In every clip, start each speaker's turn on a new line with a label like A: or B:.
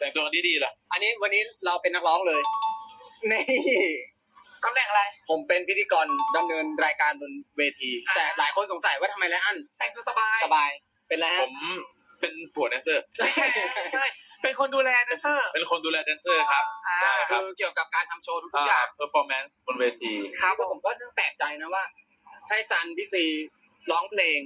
A: แต่งตัวดีๆล่ะ
B: อันนี้วันนี้เราเป็นนักร้องเลยนี่
C: ตำแหน่งอะไร
B: ผมเป็นพิธีกรดำเนินรายการบนเวที แต่หลายคนสงสัยว่าทำไมไรอัน
C: แต่งตัวสบาย
B: เป็นไรฮะ
A: ผมเป็นผัวแดนเซอร์
C: ไม่ใช่เป็นคนดูแลแดนเซอร์
A: เป็นคนดูแลแดนเซอร์ครับ
B: ใช่ครับเกี่ยวกับการทำโชว์ทุกอย่าง
A: performance บนเวที
B: ครับผมก็แปลกใจนะว่าให้ซันพี่ซีร้องเพลง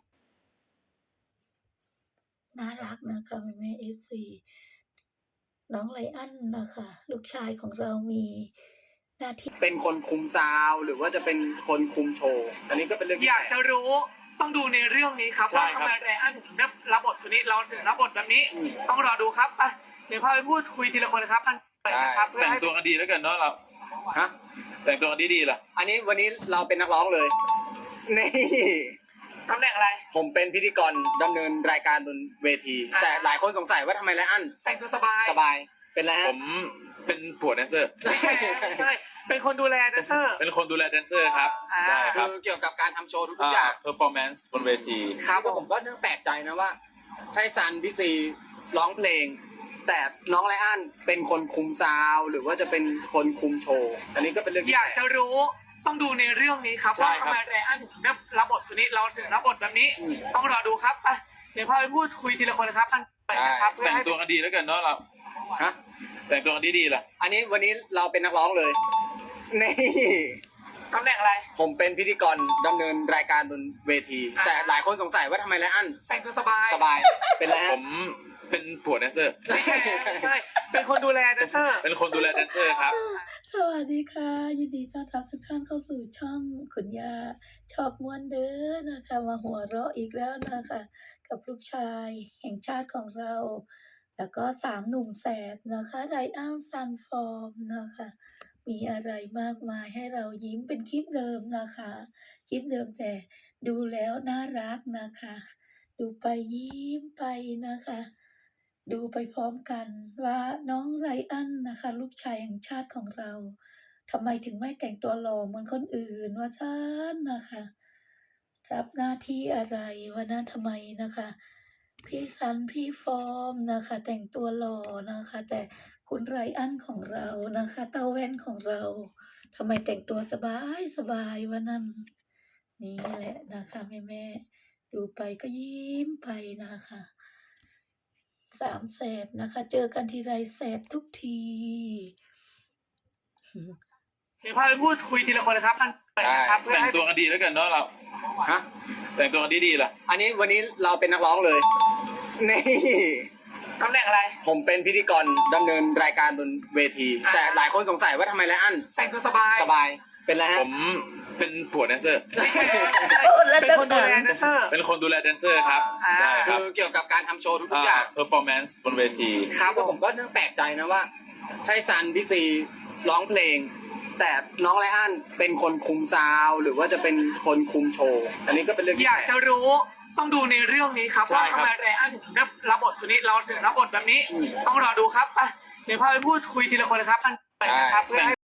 D: น่ารักนะคะแม่FC น้องไลอ้อนนะคะลูกชายของเรามีหน้าที่
B: เป็นคนคุมซาวหรือว่าจะเป็นคนคุมโชว์อันนี้ก็เป็นเรื่อง
C: อยากจะรู้ต้องดูในเรื่องนี้ครับว่าทำไมไลอ้อนถึงได้รับบทตัวนี้เราถึงรับบทแบบนี้ต้องรอดูครับเดี๋ยวพาไปพูดคุยทีละคนนะครับท่านนะครับ
A: แต่งตัวกันดีแล้วกันเนาะเราแต่งตัวกันดีๆล่ะ
B: อันนี้วันนี้เราเป็นนักร้องเลยนี่
C: ตำแหน่งอะไร
B: ผมเป็นพิธีกรดำเนินรายการบนเวที แต่หลายคนสงสัยว่าทำไมไรอัน
C: แต่งตัวสบาย
B: เป็นไรฮะ
A: ผมเป็นผัวแดนเซอร์
C: ไม่ใช่เป็นคนดูแลแดนเซอร์
A: เป็นคนดูแลแดนเซอร์ครับ
B: ใช่ครับเกี่ยวกับการทำโชว์ทุกอย่าง
A: performance บนเวที
B: ครับผมก็แปลกใจนะว่าให้ซันพี่ซีร้องเพลงแต่น้องไรอันเป็นคนคุมซาวหรือว่าจะเป็นคนคุมโชว์อันนี้ก็เป็นเรื่อง
C: อยากจะรู้ต้องดูในเรื่องนี้ครับว่าทำไมไลอ้อนถึงได้รับบทตัวนี้เราถึงรับบทแบบนี้ต้องรอดูครับเดี๋ยวพาไปพูดคุยทีละคนนะครับท่านนะครับ
A: แต่งตัวกันดีแล้วกันเนาะเราแต่งตัวกันดีๆล่ะ
B: อันนี้วันนี้เราเป็นนักร้องเลยนี่
C: ตำแหน่งอะไร
B: ผมเป็นพิธีกรดำเนินรายการบนเวที แต่หลายคนสงสัยว่าทำไมไรอัน
C: แต่งตัวสบาย
B: เป็นไรฮะ
A: ผมเป็นผัวแดนเซอร์
C: ไม่ใช่เป็นคนดูแลแดนเซอร์
A: เป็นคนดูแลแดนเซอร์ครับ
D: สวัสดีค่ะยินดีต้อนรับทุกท่านเข้าสู่ช่องคุณย่าชอบม้วนเด้อนะคะมาหัวเราะอีกแล้วนะคะกับลูกชายแห่งชาติของเราแล้วก็3หนุ่มแสบนะคะไรอันซันฟอร์มนะคะมีอะไรมากมายให้เรายิ้มเป็นคลิปเดิมนะคะคลิปเดิมแต่ดูแล้วน่ารักนะคะดูไปยิ้มไปนะคะดูไปพร้อมกันว่าน้องไรอันนะคะลูกชายแห่งชาติของเราทำไมถึงไม่แต่งตัวหล่อเหมือนคนอื่นว่าฉันนะคะรับหน้าที่อะไรวันนั้นทำไมนะคะพี่ซันพี่ฟอร์มนะคะแต่งตัวหล่อนะคะแต่คุณไรอันของเรานะคะเต้าแว่นของเราทำไมแต่งตัวสบายวันนั้นนี่แหละนะคะแม่ดูไปก็ยิ้มไปนะคะ3แสบนะคะเจอกันทีไรแสบทุกที
C: เดี๋ยวพาไปพูดคุยทีละคนนะครับท่านนะครับ
A: แต่งตัวกันดีแล้วกันเนาะเราแต่งตัวกันดีๆล่ะ
B: อันนี้วันนี้เราเป็นนักร้องเลยนี่
C: ตำแหน่งอะไร
B: ผมเป็นพิธีกรดำเนินรายการบนเวที แต่หลายคนสงสัยว่าทำไมไรอัน
C: แต่งตัวสบาย
B: เป็นไรฮะ
A: ผมเป็นผัวแดนเซอร์
C: ไม่ใช่เป็นคนดูแลแดนเซอร์
A: เป็นคนดูแลแดนเซอร์ครับ
B: ใช่ครับเกี่ยวกับการทำโชว์ทุกอย่าง
A: performance บนเวที
B: ครับผมก็แปลกใจนะว่าให้ซันพี่ซีร้องเพลงแต่น้องไรอันเป็นคนคุมซาวหรือว่าจะเป็นคนคุมโชว์อันนี้ก็เป็นเรื่อง
C: อยากจะรู้ต้องดูในเรื่องนี้ครับว่าทำไมไลอ้อนถึงได้รับบทตัวนี้เราถึงรับบทแบบนี้ต้องรอดูครับเดี๋ยวพาไปพูดคุยทีละคนนะครับท่านนะครับ